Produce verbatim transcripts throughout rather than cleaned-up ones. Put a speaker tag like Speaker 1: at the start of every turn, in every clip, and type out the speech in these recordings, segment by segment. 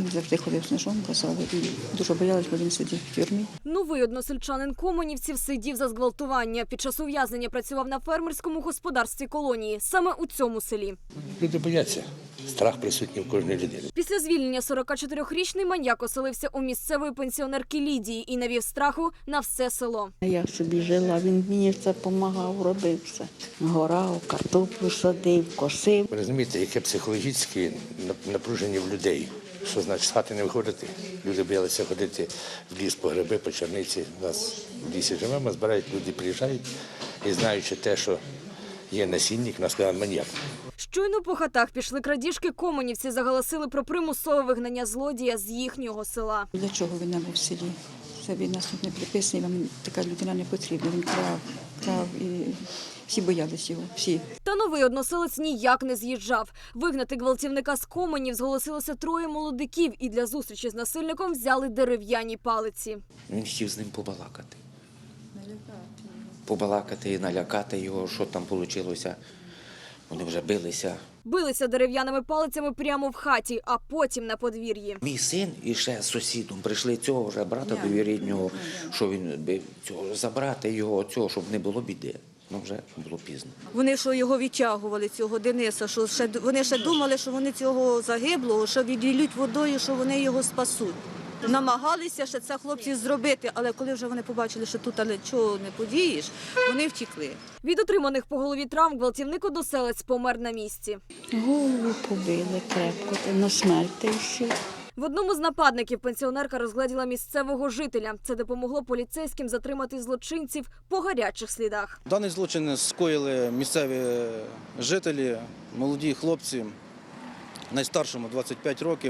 Speaker 1: Він завжди ходив з ножом, казали, і дуже боялись, бо він сидів в тюрмі.
Speaker 2: Новий односельчанин комунівців сидів за зґвалтування. Під час ув'язнення працював на фермерському господарстві колонії. Саме у цьому селі.
Speaker 3: Люди бояться. Страх присутній в кожній людині.
Speaker 2: Після звільнення сорокачотирирічний маньяк оселився у місцевої пенсіонерки Лідії і навів страху на все село.
Speaker 4: Я собі жила, він мені це допомагав, робив все. Горав, картоплю садив, косив.
Speaker 3: Ви розумієте, яке психологічне напруження в людей. Що значить з хати не виходити? Люди боялися ходити в ліс по гриби, по черниці. У нас в лісі живемо, збирають, люди приїжджають і знаючи те, що є насильник, нас сказав маньяк.
Speaker 2: Щойно по хатах пішли крадіжки, комунівці заголосили про примусове вигнання злодія з їхнього села.
Speaker 1: Для чого він нам був в селі? Це він нас тут не приписаний, вам така людина не потрібна. Він крав, крав і всі боялись його, всі.
Speaker 2: Та новий односелець ніяк не з'їжджав. Вигнати гвалтівника з Коминів зголосилося троє молодиків і для зустрічі з насильником взяли дерев'яні палиці.
Speaker 5: Він хотів з ним побалакати. Побалакати і налякати його, що там вийшло. Вони вже билися.
Speaker 2: Билися дерев'яними палицями прямо в хаті, а потім на подвір'ї.
Speaker 5: Мій син і ще з сусідом прийшли цього вже брата довіріднього, що він бив цього, забрати його, цього, щоб не було біди. Ну вже було пізно.
Speaker 6: Вони що його відтягували, цього Дениса, що ще, вони ще думали, що вони цього загиблого, що віділють водою, що вони його спасуть. Намагалися ще це хлопці зробити, але коли вже вони побачили, що тут але чого не подієш, вони втекли.
Speaker 2: Від отриманих по голові травм гвалтівник-односелець помер на місці.
Speaker 4: Голову побили крепко, на смерть та й все.
Speaker 2: В одному з нападників пенсіонерка розгледіла місцевого жителя. Це допомогло поліцейським затримати злочинців по гарячих слідах.
Speaker 7: Даний злочин скоїли місцеві жителі, молоді хлопці, найстаршому двадцять п'ять років,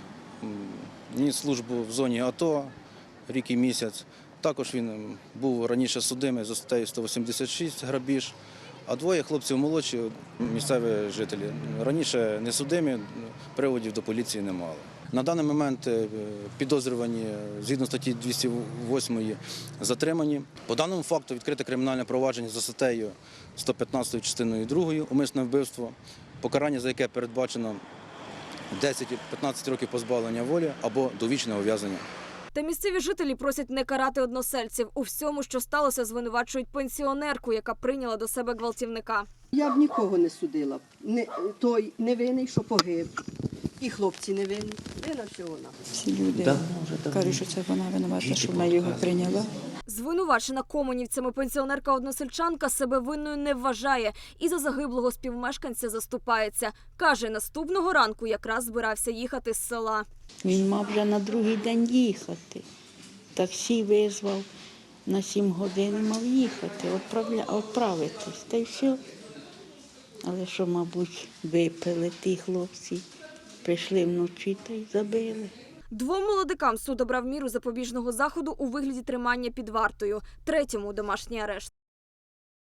Speaker 7: ніс службу в зоні АТО, рік і місяць. Також він був раніше судимий за статтею сто вісімдесят шість грабіж, а двоє хлопців молодші, місцеві жителі, раніше не судимі, приводів до поліції не мали. На даний момент підозрювані згідно статті двісті восьмої затримані. По даному факту відкрите кримінальне провадження за статтею сто п'ятнадцять частиною другою умисне вбивство, покарання за яке передбачено десять-п'ятнадцять років позбавлення волі або довічне ув'язнення.
Speaker 2: Та місцеві жителі просять не карати односельців. У всьому, що сталося, звинувачують пенсіонерку, яка прийняла до себе гвалтівника.
Speaker 8: Я б нікого не судила. Не, той невинний, що погиб. І хлопці невинні. Вина всього вона.
Speaker 1: Всі люди
Speaker 5: Давно вже, давно.
Speaker 1: кажуть, що це вона винувата, що вона його прийняла.
Speaker 2: Звинувачена комунівцями пенсіонерка-односельчанка себе винною не вважає і за загиблого співмешканця заступається. Каже, наступного ранку якраз збирався їхати з села.
Speaker 4: Він мав вже на другий день їхати. Таксі визвав, на сім годин мав їхати, відправля... відправитись, та й все. Але що, мабуть, випили ті хлопці, прийшли вночі та й забили.
Speaker 2: Двом молодикам суд обрав міру запобіжного заходу у вигляді тримання під вартою, третьому – домашній арешт.